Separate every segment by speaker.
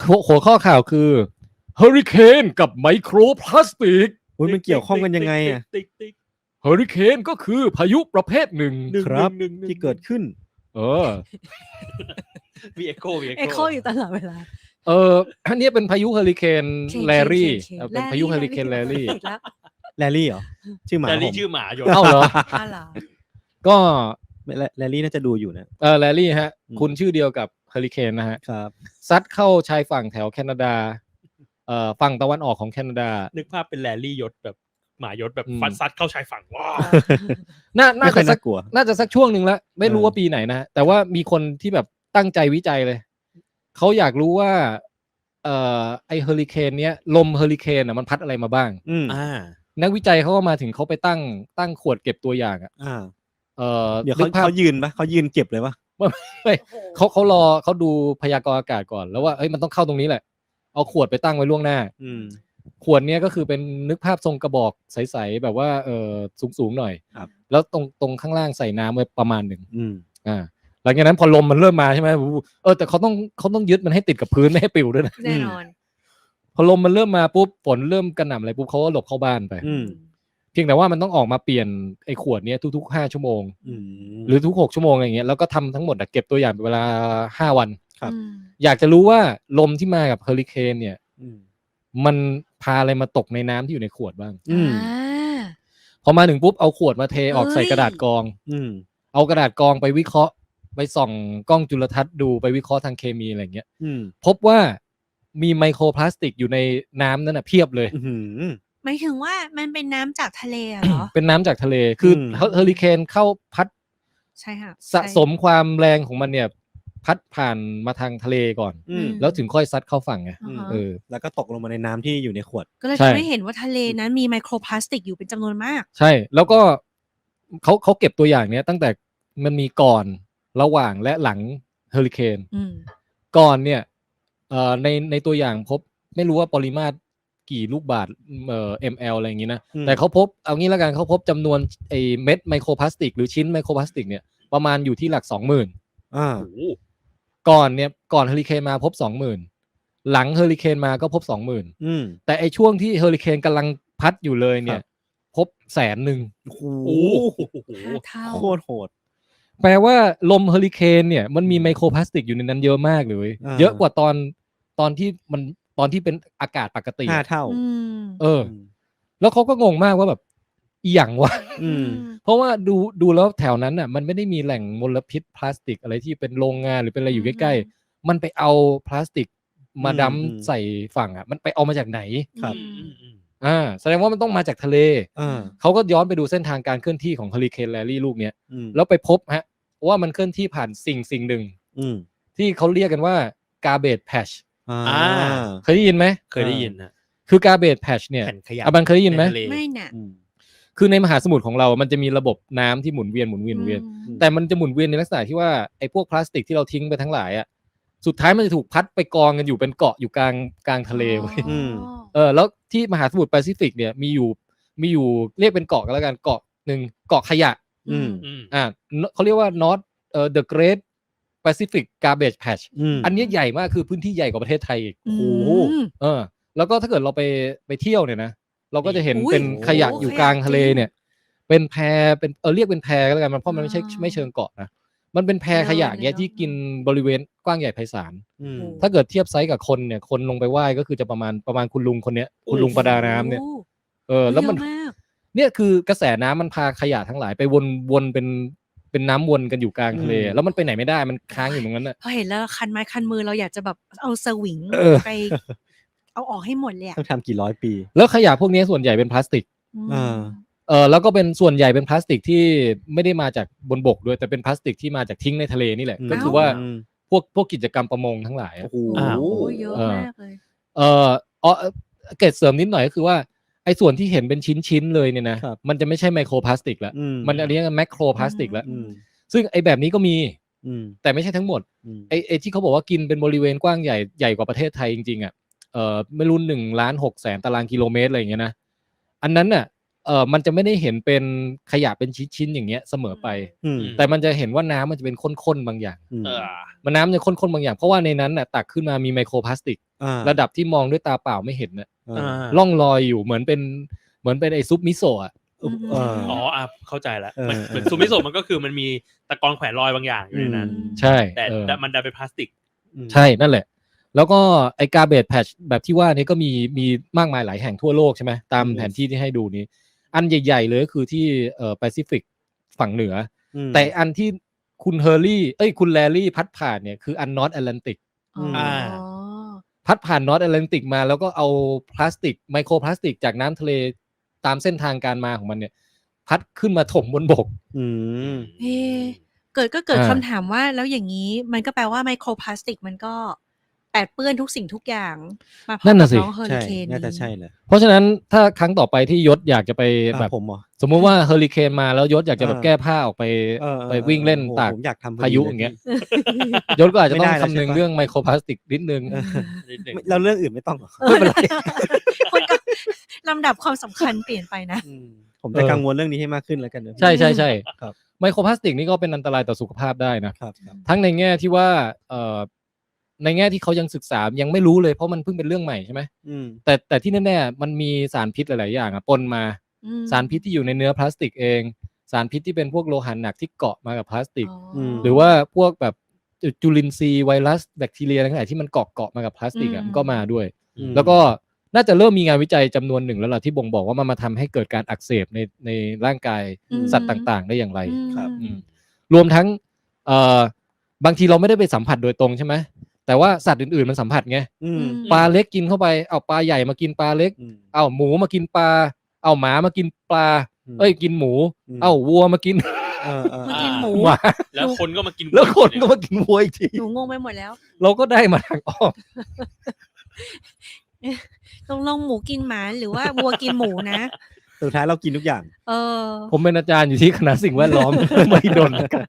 Speaker 1: หัวข้อข่าวคือเฮอริเคนกับไมโครพลาสติก
Speaker 2: มันเกี่ยวข้องกันยังไงอ่ะ
Speaker 1: เฮอริเคนก็คือพายุประเภทหนึ่ง
Speaker 2: ครับที่เกิดขึ้น
Speaker 3: มีเอ็กโค
Speaker 4: อยู่ตลอดเวลา
Speaker 1: อันนี้เป็นพายุเฮอริเคนแลรี่เป็นพายุเฮอริเคนแลรี่
Speaker 2: แลรี่เหรอชื่อหมา
Speaker 3: แลรี่ชื่อหมาอยู่
Speaker 1: เอ้าเหรอก็
Speaker 2: แลรี่น่าจะดูอยู่นะ
Speaker 1: แลรี่ฮะคุณชื่อเดียวกับเฮอริเคนนะฮะ
Speaker 2: ครับ
Speaker 1: ซัดเข้าชายฝั่งแถวแคนาดาฝั่งตะวันออกของแคนาดา
Speaker 3: นึกภาพเป็นแลรี่ยศแบบหมายศแบบฟันซัดเข้าชายฝั่งว้า
Speaker 1: น่าจะสักช่วงนึงแล้วไม่รู้ว่าปีไหนนะแต่ว่ามีคนที่แบบตั้งใจวิจัยเลยเขาอยากรู้ว่าไอเฮอริเคนเนี้ยลมเฮอริเคนมันพัดอะไรมาบ้างนักวิจัยเขาก็มาถึงเขาไปตั้งขวดเก็บตัวอย่าง
Speaker 2: เดี๋ยวเขายืนปะเขายืนเก็บเลยปะ
Speaker 1: ไม่เขารอเขาดูพยากรณ์อากาศก่อนแล้วว่ามันต้องเข้าตรงนี้แหละเอาขวดไปตั้งไว้ล่วงหน้าขวดเนี้ยก็คือเป็นนึกภาพทรงกระบอกใสๆแบบว่าสูงหน่อยแล้วตรงข้างล่างใส่น้ำไว้ประมาณหนึ่งหลังจากนั้นพอลมมันเริ่มมาใช่ไหมแต่เขาต้องยึดมันให้ติดกับพื้นไม่ให้ปลิวด้วยนะ
Speaker 4: แน่นอน
Speaker 1: พอลมมันเริ่มมาปุ๊บฝนเริ่มกระหน่ำอะไรปุ๊บเขาก็หลบเข้าบ้านไปเพียงแต่ว่ามันต้องออกมาเปลี่ยนไอ้ขวดนี้ทุกๆ5 ชั่วโมงหรือทุก6 ชั่วโมงอะไรเงี้ยแล้วก็ทำทั้งหมดเก็บตัวอย่างเป็นเวลา5 วันอยากจะรู้ว่าลมที่มากับเฮอริเคนเนี่ยมันพาอะไรมาตกในน้ำที่อยู่ในขวดบ้างพอมาถึงปุ๊บเอาขวดมาเทออกใส่กระดาษกรองเอากระดาษกรองไปวิเคราะห์ไปส่องกล้องจุลทรรศน์ดูไปวิเคราะห์ทางเคมีอะไรเงี้ยพบว่ามีไมโครพลาสติกอยู่ในน้ำนั้นเพียบเลย
Speaker 4: หมายถึงว่ามันเป็นน้ำจากทะเลเหรอ
Speaker 1: เป็นน้ำจากทะเลคือเฮอริเคนเข้าพัด
Speaker 4: ใช่ค่ะ
Speaker 1: สะสมความแรงของมันเนี่ยพัดผ่านมาทางทะเลก่อนแล้วถึงค่อยซัดเข้าฝั่งไง
Speaker 2: แล้วก็ตกลงมาในน้ำที่อยู่ในขวด
Speaker 4: ก็เลยทำให้เห็นว่าทะเลนั้นมีไมโครพลาสติกอยู่เป็นจำนวนมาก
Speaker 1: ใช่แล้วก็เขาเก็บตัวอย่างเนี้ยตั้งแต่มันมีก่อนระหว่างและหลังเฮอริเคนก่อนเนี่ยในตัวอย่างพบไม่รู้ว่าปริมาตรกี่ลูกบาศก์ml อะไรอย่างงี้นะแต่เขาพบเอางี้แล้วกันเขาพบจำนวนไอ้เม็ดไมโครพลาสติกหรือชิ้นไมโครพลาสติกเนี่ยประมาณอยู่ที่หลัก 20,000 ก่อนเฮอริเคนมาพบ 20,000 หลังเฮอริเคนมาก็พบ 20,000 แต่ไอ้ช่วงที่เฮอริเคนกำลังพัดอยู่เลยเนี่ยพบ 100,000
Speaker 2: โอ้โหโคตรโหด
Speaker 1: แปลว่าลมเฮอริเคนเนี่ยมันมีไมโครพลาสติกอยู่ในนั้นเยอะมากเลยเยอะกว่าตอนที่เป็นอากาศปกติ
Speaker 2: 5 เท่า
Speaker 1: แล้วเขาก็งงมากว่าแบบอีหยังวะเพราะว่าดูแล้วแถวนั้นน่ะมันไม่ได้มีแหล่งมลพิษพลาสติกอะไรที่เป็นโรงงานหรือเป็นอะไรอยู่ใกล้ๆมันไปเอาพลาสติกมาดั้มใส่ฝั่งมันไปเอามาจากไหน
Speaker 2: ครับ
Speaker 1: แสดงว่ามันต้องมาจากทะเลเขาก็ย้อนไปดูเส้นทางการเคลื่อนที่ของเฮอริเคนแลรี่ลูกเนี้ยแล้วไปพบว่ามันเคลื่อนที่ผ่านสิ่งหนึ่งที่เขาเรียกกันว่า garbage patch เคยได้ยินไหม
Speaker 3: เคยได้ยินนะ
Speaker 1: คือ garbage patch เนี่ยบันเคยได้ยินไหม
Speaker 4: ไม่น่ะ
Speaker 1: คือในมหาสมุทรของเรามันจะมีระบบน้ำที่หมุนเวียนแต่มันจะหมุนเวียนในลักษณะที่ว่าไอ้พวกพลาสติกที่เราทิ้งไปทั้งหลายสุดท้ายมันจะถูกพัดไปกองกันอยู่เป็นเกาะอยู่กลางทะเลไว้แล้วที่มหาสมุทรแปซิฟิกเนี่ยมีอยู่เรียกเป็นเกาะกันแล้วกันเกาะหนึ่งเกาะขยะเขาเรียกว่า North the Great Pacific Garbage Patch อันนี้ใหญ่มากคือพื้นที่ใหญ่กว่าประเทศไทยอีกโอ้โหแล้วก็ถ้าเกิดเราไปเที่ยวเนี่ยนะเราก็จะเห็นเป็นขยะอยู่กลางทะเลเนี่ยเป็นแพเป็นเรียกเป็นแพก็แล้วกันมันเพราะมันไม่เชิงเกาะนะมันเป็นแพขยะเงี้ยที่กินบริเวณกว้างใหญ่ไพศาลถ้าเกิดเทียบไซส์กับคนเนี่ยคนลงไปว่ายก็คือจะประมาณคุณลุงคนเนี้ยคุณลุงประดาน้ำเนี่ยแล้วมันเนี่ยคือกระแสน้ำมันพาขยะทั้งหลายไปวนเป็นน้ำวนกันอยู่กลางทะเลแล้วมันไปไหนไม่ได้มันค้างอยู่ตรงนั้นน่ะ
Speaker 4: พอเห็นแล้วคันไม้คันมือเราอยากจะแบบเอาสวิงไปเอาออกให้หมดเลย
Speaker 2: ต้องทำกี่ร้อยปี
Speaker 1: แล้วขยะพวกนี้ส่วนใหญ่เป็นพลาสติกแล้วก็เป็นส่วนใหญ่เป็นพลาสติกที่ไม่ได้มาจากบนบกด้วยแต่เป็นพลาสติกที่มาจากทิ้งในทะเลนี่แหละก็คือว่าพวกกิจกรรมประมงทั้งหลาย
Speaker 4: โอ้โหเยอะมากเลย
Speaker 1: เกร็ดเสริมนิดหน่อยก็คือว่าไอ้ส่วนที่เห็นเป็นชิ้นเลยเนี่ยนะมันจะไม่ใช่ไมโครพลาสติกแล้วมันเรียกว่าแมคโครพลาสติกแล้วซึ่งไอ้แบบนี้ก็มีแต่ไม่ใช่ทั้งหมดไอ้ที่เขาบอกว่ากินเป็นบริเวณกว้างใหญ่กว่าประเทศไทยจริงๆไม่รู้1,600,000 ตารางกิโลเมตรอะไรอย่างเงี้ยนะอันนั้นน่ะมันจะไม่ได้เห็นเป็นขยะเป็นชิ้นๆอย่างเงี้ยเสมอไปแต่มันจะเห็นว่าน้ำมันจะเป็นข้นๆบางอย่างมันน้ำจะข้นๆบางอย่างเพราะว่าในนั้นน่ะตักขึ้นมามีไมโครพลาสติกระดับที่มองด้วยตาเปล่าไม่เห็นน่ะ
Speaker 2: อ่า
Speaker 1: ล่องลอยอยู่เหมือนเป็นไอ้ซุปมิโซะอะ
Speaker 3: อ๋อเข้าใจแล้ว
Speaker 2: เออ
Speaker 3: เหมือนซูมิโซะมันก็คือมันมีตะกอนแขวนลอยบางอย่างอยู่ในนั้น
Speaker 1: ใช่
Speaker 3: แต่ มันดันเป็นพลาสติก
Speaker 1: ใช่นั่นแหละ แล้วก็ไอ้กาเบจแพชแบบที่ว่านี้ก็มีมากมายหลายแห่งทั่วโลกใช่ไหมตามแผนที่ที่ให้ดูนี้ อันใหญ่ๆเลยก็คือที่แปซิฟิกฝั่งเหนืออแต่อันที่คุณแลรี่พัดผ่านเนี่ยคืออันนอร์ทแอตแลนติก
Speaker 4: อ๋อ
Speaker 1: พัดผ่านนอร์ทแอตแลนติกมาแล้วก็เอาพลาสติกไมโครพลาสติกจากน้ำทะเลตามเส้นทางการมาของมันเนี่ยพัดขึ้นมาถมบนบก
Speaker 4: เกิดคำถามว่าแล้วอย่างนี้มันก็แปลว่าไมโครพลาสติกมันก็แปดเปื้อนทุกสิ่งทุกอย่างมาพร้อมกับน้องเฮอริ
Speaker 2: ใช่
Speaker 4: เคน
Speaker 2: น่าจะใช่แหละ
Speaker 1: เพราะฉะนั้นถ้าครั้งต่อไปที่ยศอยากจะไปแบบ
Speaker 2: ผมเหรอ
Speaker 1: สมมุติว่าเฮอริเคนมาแล้วยศอยากจะแบบแก้ผ้าออกไปไปวิ่งเล่นตาก
Speaker 2: ผมอยากทำ
Speaker 1: พายุอย่างเงี้ยยศก็อาจจะต้องคำนึงเรื่องไมโครพลาสติกนิดนึง
Speaker 2: เราเรื่องอื่นไม่ต้องหรอ
Speaker 1: ไม่เป็นไร
Speaker 4: คนก็ลำดับความสำคัญเปลี่ยนไปนะ
Speaker 2: ผมจะกังวลเรื่องนี้ให้มากขึ้นแล้วกันนะ
Speaker 1: ใช่ใช่ใช่
Speaker 2: ครับ
Speaker 1: ไมโครพลาสติกนี่ก็เป็นอันตรายต่อสุขภาพได้นะ
Speaker 2: ครับ
Speaker 1: ทั้งในแง่ที่ว่าในแง่ที่เขายังศึกษายังไม่รู้เลยเพราะมันเพิ่งเป็นเรื่องใหม่ใช่ไหมแต่ที่แน่ๆมันมีสารพิษหลายๆอย่างปนมาสารพิษที่อยู่ในเนื้อพลาสติกเองสารพิษที่เป็นพวกโลหะหนักที่เกาะมากับพลาสติกหรือว่าพวกแบบจุลินทรีย์ไวรัสแบคทีเรียอะไรต่างๆที่มันเกาะมากับพลาสติกมันก็มาด้วยแล้วก็น่าจะเริ่มมีงานวิจัยจำนวนหนึ่งแล้วล่ะที่บ่งบอกว่ามันมาทำให้เกิดการอักเสบในร่างกายสัตว์ต่างๆได้อย่างไร รวมทั้งบางทีเราไม่ได้ไปสัมผัสโดยตรงใช่ไหมแต่ว่าสัตว์อื่นๆมันสัมผัสไงปลาเล็กกินเข้าไปเอาปลาใหญ่มากินปลาเล็กเอาหมูมากินปลาเอาหมามากินปลากินหมูเอาวัวมากิน
Speaker 4: มากินหมู
Speaker 1: หมา
Speaker 3: แล้วคนก็มากิน
Speaker 1: แล้วคนก็มากินวัวอีกที
Speaker 4: หนูงงไปหมดแล้ว
Speaker 1: เราก็ได้มาทางอ้อม
Speaker 4: ตรงลงหมูกินหมาหรือว่าวัวกินหมูนะ
Speaker 2: สุดท้ายเรากินทุกอย่าง
Speaker 1: ผมเป็นอาจารย์อยู่ที่คณะสิ่งแวดล้อม ไม่โดนกัน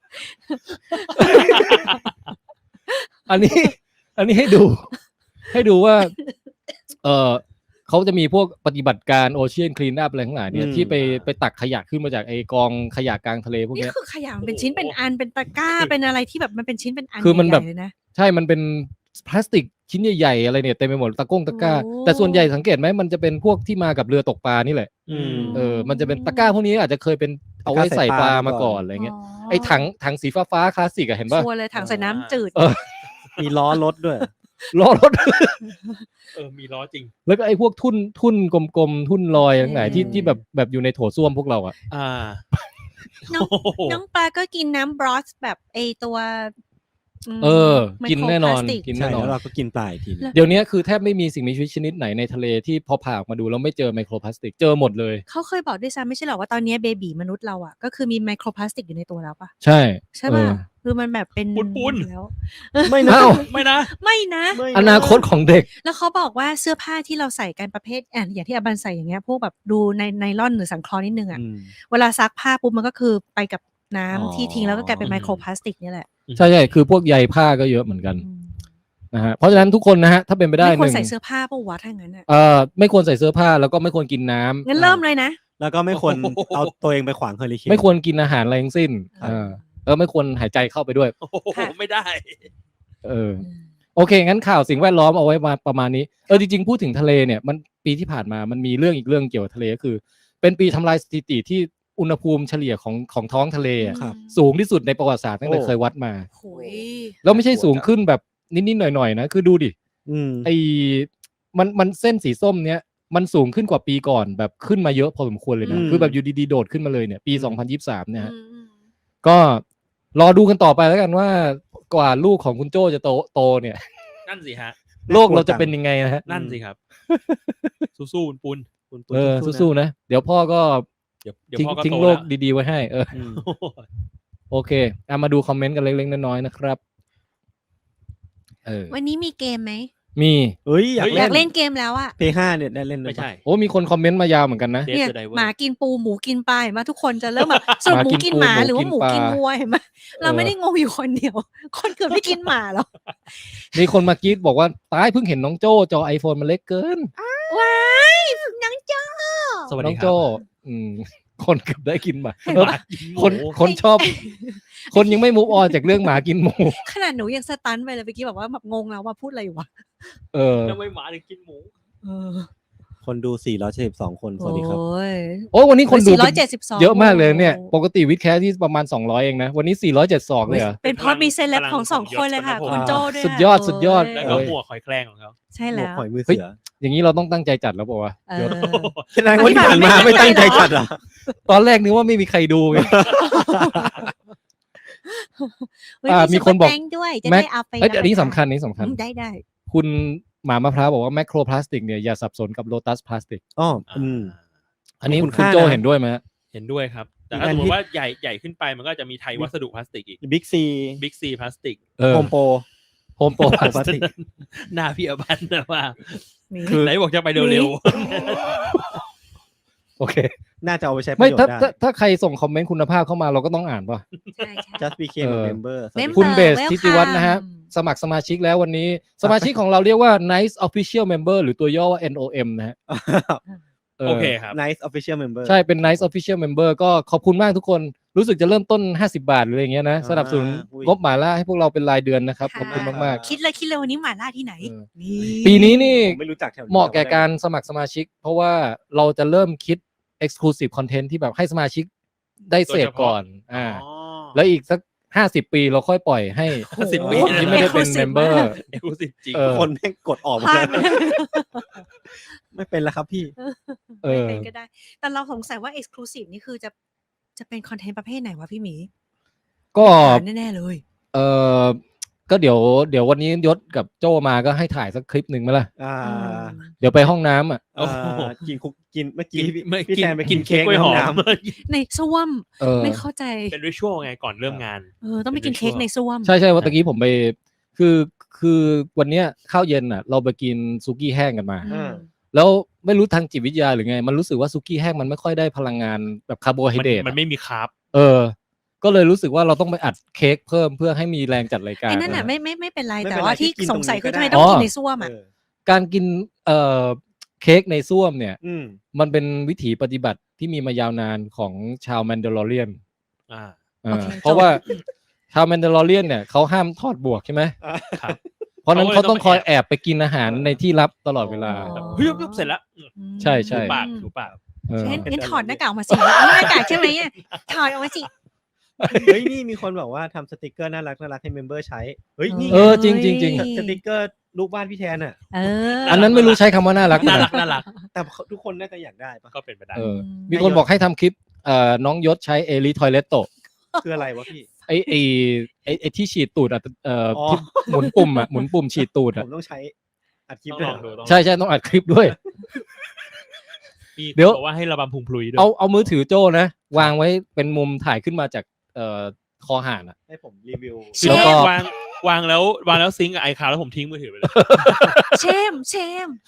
Speaker 1: อันนี้ให้ดูว่าเขาจะมีพวกปฏิบัติการโอเชียนคลีนอัพอะไรทั้งหลายเนี่ยที่ไปตักขยะขึ้นมาจากไอกองขยะกลางทะเลพวก
Speaker 4: นี่
Speaker 1: นี้
Speaker 4: คือขยะมันเป็นชิ้นเป็นอันเป็นตะกร้าเป็นอะไรที่แบบมันเป็นชิ้นเป็นอัน
Speaker 1: คือมันแบบ
Speaker 4: ใหญ่ๆเลยนะ
Speaker 1: ใช่มันเป็นพลาสติกชิ้นใหญ่ๆอะไรเนี่ยเต็มไปหมดตะกร้า
Speaker 4: โอ้
Speaker 1: แต่ส่วนใหญ่สังเกตไหมมันจะเป็นพวกที่มากับเรือตกปลานี่แหละมันจะเป็นตะกร้าพวกนี้อาจจะเคยเป็นเอาไว้ใส่ปลามาก่อนอะไรเงี้ยไอ้ถังสีฟ้าคลาสสิกอะเห็นป่ะ
Speaker 4: ชัวร์เลยถังใส่น้ำจืด
Speaker 2: มีล้อรถด้วย
Speaker 1: ล้อรถ
Speaker 3: มีล้อจริง
Speaker 1: แล้วก็ไอ้พวกทุ่นกลมๆทุ่นลอยทั้งหลายที่แบบอยู่ในโถส้วมพวกเราอ่ะ
Speaker 4: น้องปลาก็กินน้ำบรอสแบบไอตัว
Speaker 1: กินแน่นอน
Speaker 4: ไมโครพลาสติก
Speaker 1: กิน
Speaker 2: ใช่
Speaker 1: แน่นอน
Speaker 2: แล้วเราก็กินปลาอีกที
Speaker 1: เดี๋ยวนี้คือแทบไม่มีสิ่งมีชีวิตชนิดไหนในทะเลที่พอผ่าออกมาดูแล้วไม่เจอไมโครพลาสติกเจอหมดเลย
Speaker 4: เขาเคยบอกด้วยซ้ำไม่ใช่หรอว่าตอนนี้เบบีมนุษย์เราอ่ะก็คือมีไมโครพลาสติกอยู่ในตัวแล้วปะ
Speaker 1: ใช่
Speaker 4: ใช่ป่ะคือมันแบบเป็น
Speaker 3: ปุ้นๆ
Speaker 4: แล้ว
Speaker 1: ไม่นะ
Speaker 3: ไม่นะ
Speaker 4: ไม่นะ
Speaker 1: อนาคตของเด็ก
Speaker 4: แล้วเขาบอกว่าเสื้อผ้าที่เราใส่กันประเภทอย่างที่อบันใส่อย่างเงี้ยพวกแบบดูในไนลอนหรือสังเคราะห์นิดนึงอ่ะเวลาซักผ้าปุ๊บมันก็คือไปกับน้ำที่ทิ้งแล้วก็กลายเป็นไมโครพลาสติกนี่แหละ
Speaker 1: ใช่คือพวกใยผ้าก็เยอะเหมือนกันนะฮะเพราะฉะนั้นทุกคนนะฮะถ้าเป็นไปได้
Speaker 4: ไม่ควร
Speaker 1: หนึ่ง
Speaker 4: ใส่เสื้อผ้าปะวะถ้างั้นอ่ะ
Speaker 1: ไม่ควรใส่เสื้อผ้าแล้วก็ไม่ควรกินน้ำ
Speaker 4: งั้นเริ่มเลยนะ
Speaker 2: แล้วก็ไม่ควรเอาตัวเองไปขวางเฮอริเคน
Speaker 1: ไม่ควรกินอาหารอะไรทั้งสิ้นแล้วไม่ควรหายใจเข้าไปด้วย
Speaker 3: ไม่ได้
Speaker 1: โอเคงั้นข่าวสิ่งแวดล้อมเอาไว้มาประมาณนี้จริงๆพูดถึงทะเลเนี่ยมันปีที่ผ่านมามันมีเรื่องอีกเรื่องเกี่ยวกับทะเลก็คือ เป็นปีทำลายสถิติที่อุณหภูมิเฉลี่ยของท้องทะเลสูงที่สุดในประวัติศาสตร์ตั้งแต่เคยวัดมาแล้วไม่ใช่สูงขึ้นแบบนิดๆหน่อยๆนะคือดูดิไอ้มันเส้นสีส้มเนี้ยมันสูงขึ้นกว่าปีก่อนแบบขึ้นมาเยอะพอสมควรเลยนะคือแบบอยู่ดีๆโดดขึ้นมาเลยเนี่ยปี2023เนี่ยฮะก็รอดูกันต่อไปแล้วกันว่ากว่าลูกของคุณโจ้จะโตเนี่ย
Speaker 3: นั่นสิฮะ
Speaker 1: โลกเราจะเป็นยังไงนะฮะ
Speaker 3: นั่นสิครับ สู้ๆปุน
Speaker 1: สู้ๆนะเดี๋ยวพ่อก็
Speaker 3: เดี๋ยวพ่อก็
Speaker 1: ทิ้ง
Speaker 3: โต
Speaker 1: โล
Speaker 3: แล้
Speaker 1: ก
Speaker 3: ว
Speaker 1: ดีๆไว้ให้โอเคมาดูคอมเมนต์กันเล็กๆน้อยๆนะครับ
Speaker 4: วันนี้มีเกมไหม
Speaker 1: มี
Speaker 4: อยากเล่นเกมแล้วอะ
Speaker 2: P5 เนี่ยได้เล่น
Speaker 3: ไม่ใช่
Speaker 1: โอ้มีคนคอมเมนต์มายาวเหมือนกันนะ
Speaker 4: เนี่ยหมากินปูหมูกินปลาเห็นไหมทุกคนจะเริ่มแบบสรุปหมูกินหมาหรือว่าหมูกินวัวเห็นไหมเราไม่ได้งงอยู่คนเดียวคนเกือบไม่กินหมาหรอก
Speaker 1: มีคนมากรีดบอกว่าตายเพิ่งเห็นน้องโจ้จอ iPhone มันเล็กเกิน
Speaker 4: ว้ายน้องโจ้
Speaker 3: สวัส
Speaker 1: น้
Speaker 3: ดี
Speaker 1: อง
Speaker 3: ครั
Speaker 1: โจ้
Speaker 3: บ
Speaker 1: คนเกือบได้กินหมา
Speaker 3: หมากินหมู
Speaker 1: คนชอบ คนยังไม่มูฟออนจากเรื่องหมากินหมู
Speaker 4: ขนาดหนูยังสตันไปเลยเมื่อกี้แบบว่าแบบงงแล้วว่าพูดอะไรอยู่วะ
Speaker 1: เออ
Speaker 3: ทำไมหมาถึงกินหมู
Speaker 4: เออ
Speaker 2: คนดู472คนสวัสดีครับ
Speaker 4: โอ้ย
Speaker 1: โอ้วันนี้คนดูเป็น
Speaker 4: 472
Speaker 1: เยอะมากเลยเนี่ย ปกติวิดแคสที่ประมาณ200เองนะ วันนี้472เลยเหรอ
Speaker 4: เป็นเพราะมีเซเลบของสองคนเลยค่ะ
Speaker 3: พลัง
Speaker 4: คุณโจด้วย
Speaker 1: สุดยอดสุดยอด
Speaker 4: โ
Speaker 3: แล้วก็หมวกหอยแครงของเขา
Speaker 4: ใช่
Speaker 2: หมว
Speaker 4: แล้
Speaker 2: ก
Speaker 4: ว
Speaker 2: หอยมือ
Speaker 1: เฮ้ย
Speaker 2: เสือ
Speaker 1: อย่างนี้เราต้องตั้งใจจัดแล้วป่าวะ
Speaker 4: เออ
Speaker 2: แสดงว่าที่ผ่านมาไม่ตั้งใจจัดอ่ะ
Speaker 1: ตอนแรกนึกว่าไม่มีใครดูไง
Speaker 4: เฮ้ย
Speaker 1: มีคนบอก
Speaker 4: ซุปเปร์แตงด้วยจะ
Speaker 1: แม็ก
Speaker 4: ได้เอาไป
Speaker 1: เอ้ยอันนี้สำคัญนี้สำคัญ
Speaker 4: ได้
Speaker 1: คุณหมามะพร้าวบอกว่าแมคโครพลาสติกเนี่ยอย่าสับสนกับโลตัสพลาสติก
Speaker 2: อ๋อ
Speaker 1: อันนี้
Speaker 2: คุณ
Speaker 1: คุณ
Speaker 2: ค่า
Speaker 1: โจ
Speaker 2: นะ
Speaker 1: เห็นด้วยไหมฮะ
Speaker 3: เห็นด้วยครับ แต่ถ้าสมมติว่าใหญ่ขึ้นไปมันก็จะมีไทยวัสดุพลาสติกอีก
Speaker 2: บิ๊กซี
Speaker 3: บิ๊กซีพลาสติก
Speaker 2: โฮมโปร
Speaker 1: โฮมโปรพลาส
Speaker 2: พลาส
Speaker 1: ติก
Speaker 2: ติก
Speaker 3: หน้าพี่อภันนะว่า
Speaker 4: นี่
Speaker 1: คือ
Speaker 3: ไหนบอกจะไปเร็ว
Speaker 1: โอเค
Speaker 2: น่าจะเอาไปใช้ประ
Speaker 1: ไม่
Speaker 2: โยช
Speaker 1: ถ้า
Speaker 2: น์
Speaker 1: ถ้า
Speaker 2: ได้
Speaker 1: ถ้าใครส่งคอมเมนต์คุณภาพเข้ามาเราก็ต้องอ่านป่ะ
Speaker 4: ใช่ใช่
Speaker 2: just became a member สวัสดี
Speaker 4: Member
Speaker 1: คุณเบส
Speaker 4: welcome
Speaker 1: ทิติวัฒน์นะฮะ สมัครสมาชิกแล้ววันนี้ สมาชิกของเราเรียกว่า Nice Official Member หรือตัวย่อว่า NOM นะฮะ
Speaker 3: ๆโอเคครับ
Speaker 2: nice official member
Speaker 1: ใช่เป็น Nice Official Member ก็ขอบคุณมากทุกคนรู้สึกจะเริ่มต้น50 บาทหรืออะไรอย่างเงี้ยนะสนับสนุน
Speaker 2: อุ้ย
Speaker 1: งบหมาล่าให้พวกเราเป็นรายเดือนนะครับขอบคุณมาก
Speaker 4: คิดเลยวันนี้หมาล่าที่ไหน
Speaker 1: เออ
Speaker 4: นี่
Speaker 1: ๆ ปีนี้นี่
Speaker 2: ผมไม่รู้จักแถวนี้
Speaker 1: เหมาะแก่การสมัครสมาชิก เพราะว่าเราจะเริ่มคิด Exclusive Content ที่แบบให้สมาชิกได้เสพก่อนแล้วอีกสัก50 ปีเราค่อยปล่อยให้
Speaker 3: 50 ปี
Speaker 1: คนที่ไม่ได้เป็น
Speaker 4: Exclusive
Speaker 1: Member
Speaker 4: มาก
Speaker 3: เอ็กซ์คลูซีฟจริง
Speaker 1: เออ
Speaker 2: คนแม่งกดออกหม
Speaker 4: พ
Speaker 2: ด
Speaker 4: ลา
Speaker 2: เล
Speaker 4: ด
Speaker 2: ยไม่เป็นแล้วครับพี่
Speaker 1: เออ
Speaker 4: ไม่เป็นก็ได้ แต่เราสงสัยว่า Exclusive นี่คือจะเป็นคอนเทนต์ประเภทไหนวะพี่หมี
Speaker 1: ก็
Speaker 4: แน่ๆเลย
Speaker 1: เออก็เดี๋ยววันนี้ยศกับโจมาก็ให้ถ่ายสักคลิปหนึ่งไหมล่ะ
Speaker 2: อ่า
Speaker 1: เดี๋ยวไปห้องน้ำอ่ะ
Speaker 3: โอ้โห
Speaker 2: กินคุกกินเมื่อ
Speaker 3: กิ
Speaker 2: กี้
Speaker 3: นไม่
Speaker 2: พี่
Speaker 3: กิน
Speaker 2: แซมไป
Speaker 3: กิ
Speaker 2: กิ
Speaker 3: น
Speaker 2: น
Speaker 3: เค้
Speaker 2: เค้
Speaker 3: ก
Speaker 2: ก
Speaker 3: กล้วย
Speaker 2: ใน
Speaker 3: ห
Speaker 2: ห้
Speaker 3: อ
Speaker 2: อง
Speaker 3: ม
Speaker 2: น้ำ
Speaker 4: ในส้วม
Speaker 1: เออ
Speaker 4: ไม่เข้าใจ
Speaker 3: เป็นริชวลไงก่อนเริ่มงาน
Speaker 4: ต้องไปกินเค้กในส้วม
Speaker 1: ใช่ว่าตะกี้ผมไปคือวันเนี้ยข้าวเย็นอ่ะ เราไปกินซุกี้แห้งกันมา
Speaker 4: อืม
Speaker 1: แล้วไม่รู้ทางจิตวิทยาหรือไง มันรู้สึกว่าซุกี้แห้งมันไม่ค่อยได้พลังงานแบบคาร์โบไฮเดรต
Speaker 3: มันไม่มีคาร์บ
Speaker 1: ก็เลยรู้สึกว่าเราต้องไปอัดเค้กเพิ่มเพื่อให้มีแรงจัดรายการ
Speaker 4: ไอ้นั่นน่ะไม่เป็นไร
Speaker 2: ไม่
Speaker 4: แต่
Speaker 2: เป็นไร
Speaker 4: ว่าที่
Speaker 2: ที่กิน
Speaker 4: สงสัย
Speaker 2: ตรงนี้
Speaker 4: คือ
Speaker 2: ก็
Speaker 4: ทำไม
Speaker 2: ได้
Speaker 4: ต้องกินในส้วมอ่ะ
Speaker 2: เออ
Speaker 1: การกินเค้กในส้วมเนี่ย
Speaker 2: อืม
Speaker 1: มันเป็นวิถีปฏิบัติที่มีมายาวนานของชาวแมนดาลอเรียน
Speaker 3: อ่า
Speaker 4: โอเค
Speaker 1: เพราะว่าชาวแมนดาลอเรียนเนี่ยเขาห้ามทอดบวกใช่ไหม
Speaker 3: ครับ
Speaker 1: เพราะนั้น
Speaker 3: เขา
Speaker 1: เขา
Speaker 3: เลยต้
Speaker 1: ต้
Speaker 3: อ
Speaker 1: อง งคอยแอบไปกินอาหารในที่ลับตลอดเวลา
Speaker 4: อ๋อ
Speaker 3: เฮ้ยเสร็จแล้ว
Speaker 1: ใช่ใช่
Speaker 3: ถูปากถูปาก
Speaker 1: เออ
Speaker 4: งั้นถอดหน้ากากออกมาสิเอาหน้ากากใช่ไหมเนี่ยถอดออกมาสิ
Speaker 2: เฮ้ยนี่มีคนบอกว่าทำสติกเกอร์น่ารักให้เมมเบอร์ใช้เฮ้ยนี่
Speaker 1: เออจริงจริงจริง
Speaker 2: สติกเกอร์รูปบ้านพี่แทนอ่ะ
Speaker 4: เออ
Speaker 1: อันนั้นไม่รู้ใช้คำว่าน่ารัก
Speaker 3: น่า
Speaker 1: นะ
Speaker 3: รักน่ารัก
Speaker 2: แต่ทุกคนน่าจะอยากได้ปะ
Speaker 3: ก็เป็นไปได้
Speaker 1: เออมีคนบอกให้ทำคลิปน้องยศใช้เอลิทอยเลตโต
Speaker 2: คืออะไรวะพี่
Speaker 1: ไอที่ฉีดตูด
Speaker 2: อ๋อ
Speaker 1: ที่หมุนปุ่มหมุนปุ่มฉีดตูด
Speaker 2: ผมต้องใช้อัดคลิป
Speaker 3: ต้อง
Speaker 2: ด้วย
Speaker 3: ลองดู
Speaker 1: ใช่ต้องอัดคลิปด้วย
Speaker 3: มี
Speaker 1: เดี๋ยว
Speaker 3: บอกว่าให้ระบำพุงพลุยด้วย
Speaker 1: เอามือถือโจ้นะ วางไว้เป็นมุมถ่ายขึ้นมาจากคอห่านอ่ะ
Speaker 2: ให้ผมรีวิว
Speaker 4: เช
Speaker 1: แล้วก็
Speaker 4: ม
Speaker 3: วางแล้วซิงก์กับไอคาวแล้วผมทิ้งมือถือไปเลย
Speaker 4: เชม